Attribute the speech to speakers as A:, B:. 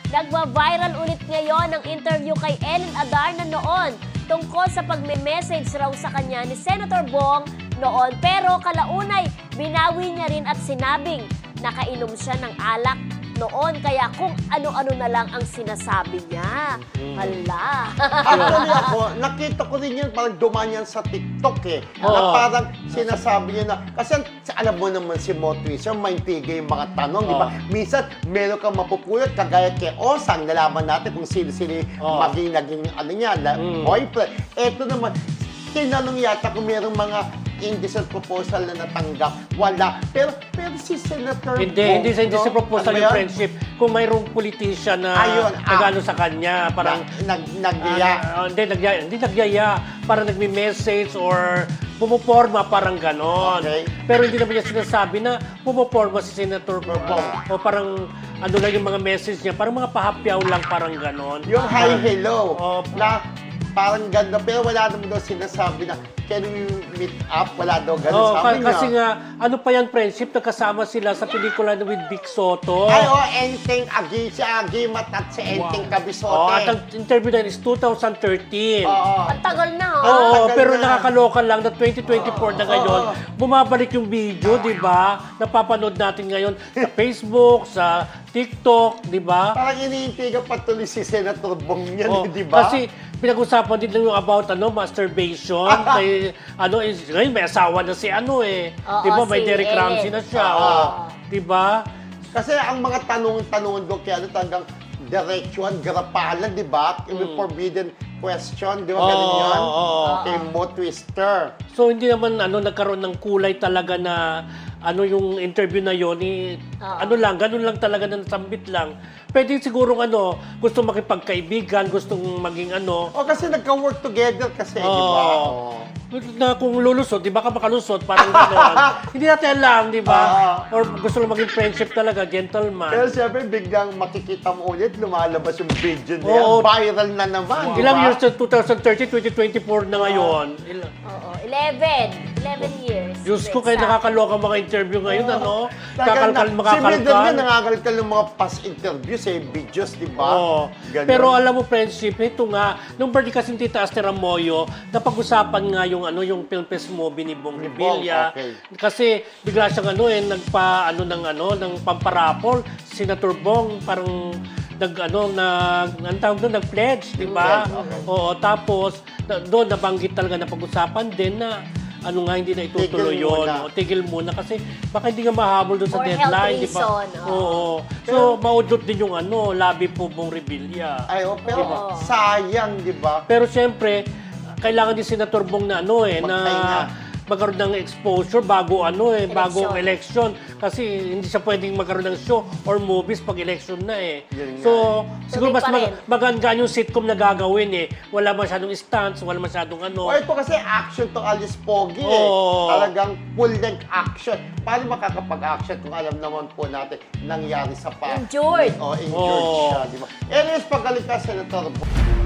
A: Nagwa-viral ulit ngayon ang interview kay Ellen Adarna noon tungkol sa pagme-message raw sa kanya ni Senator Bong noon. Pero kalaunay, binawi niya rin at sinabing nakainom siya ng alak noon. Kaya kung ano-ano na lang ang sinasabi niya. Hala.
B: Actually ako, nakita ko rin yun, parang dumaan yan sa TikTok eh. Na
C: Oo.
B: parang sinasabi niya na, kasi alam mo naman si Mo Twister, maintigay yung mga tanong, di ba? Minsan, meron kang mapupulot, kagaya kay Osang, nalaman natin kung sino-sino
C: Oo.
B: naging ano niya, boyfriend. Eto naman, tinanong yata kung merong mga indecent proposal na natanggap. Wala. Pero si Senator
C: Hindi sa
B: no?
C: proposal
B: Ano ba
C: yung
B: yan?
C: friendship. Kung mayroong politician na
B: Ayun,
C: nagano sa kanya, parang
B: Nagyaya.
C: hindi nagyaya, parang nagme-message or pumoporma, parang ganon.
B: Okay.
C: Pero hindi naman niya sinasabi na pumoporma si Senator Bong. O parang ano lang yung mga message niya, parang mga pahapyaw lang, parang ganon.
B: Yung hi, hello.
C: Oh.
B: Na parang ganda. Pero wala naman daw sinasabi na, can we meet up? Wala daw ganun
C: Oh,
B: sabi niya.
C: kasi nga, ano pa yan, friendship, nagkasama sila sa pelikula with Vic Soto.
B: Ay, Enteng Agi, si Agimat at si Enteng Cabisote.
C: Oh, at ang interview na yun is 2013.
B: Oo.
A: Ang tagal na, ha?
C: Oo,
B: tagal
C: pero
B: na.
C: nakakaloka lang na 2024 na ngayon,
B: Oo.
C: bumabalik yung video, di ba? Napapanood natin ngayon sa Facebook, sa TikTok, di ba?
B: Parang iniintiga patuloy si Senator Bong yan,
C: Oh,
B: di ba?
C: Kasi pinag-usapan din lang yung about masturbation. Kay, ngayon may asawa na si
A: Oo,
C: di ba? May
A: si
C: Derek
A: Ellen.
C: Ramsey na siya.
B: Oo.
C: Oh, di ba?
B: Kasi ang mga tanong-tanong doon, kaya talagang diretsuhan, garapalan, di ba? Yung forbidden question, di ba? Ganun
C: Oo,
B: yan.
C: oo.
B: Kay Mo Twister.
C: So hindi naman nagkaroon ng kulay talaga na yung interview na yon ganun lang talaga na nasambit lang. Pwede siguro gusto makipagkaibigan, gustong maging
B: O kasi nagka-work together kasi, di ba?
C: Oo. Na kung lulusot, di ba ka makalusot, parang gano'n. Hindi natin alam, di ba? Or gusto lang maging friendship talaga, gentleman.
B: Pero siyempre, biglang makikita mo ulit, lumalabas yung video na
C: Oo.
B: yan. Viral na naman, di
C: Ilang
B: ba?
C: years na 2030, 2024 na ngayon.
A: Oo, 11 years.
C: Diyos ko, kayo nakakaloka mga interview ngayon,
B: Si
C: makakalkal.
B: Mildred nga nangakalkal ng mga past interviews, videos, di ba?
C: Oo.
B: Ganun.
C: Pero alam mo, friendship, ito nga, nung birthday kasi ni Tita Aster Amoyo, napag-usapan nga yung film fest movie ni Bong Revilla.
B: okay.
C: Kasi bigla siyang ng pamparapol, Senator Bong, parang nag-pledge, di ba?
B: Okay.
C: Oo, tapos doon nabanggit talaga na pag-usapan din na hindi na itutuloy
B: Tigil
C: yun.
B: muna.
C: O, tigil muna kasi baka hindi nga mahabol doon sa
A: For
C: deadline,
A: health
C: di ba?
A: reason,
C: Oo. So, maudlot din yung labi po Bong Revilla.
B: Ay, pero
A: Diba?
B: sayang, di ba?
C: Pero siyempre, kailangan din Senator Bong na
B: Magpahinga.
C: na magkaroon ng exposure bago bago election. Kasi hindi siya pwedeng magkaroon ng show or movies pag election na
B: Yun nga.
C: So, siguro
A: Tuloy
C: mas
A: pa rin.
C: maganda yung sitcom na gagawin Wala masyadong stunts, wala masyadong
B: O ito kasi action to Alice Pogi
C: Oo.
B: Talagang full-length action. Paano makakapag-action kung alam naman po natin nangyari sa
A: Injured.
B: injured
C: Oo.
B: siya, di ba? Anyways, pagaling ka, Senator Bong.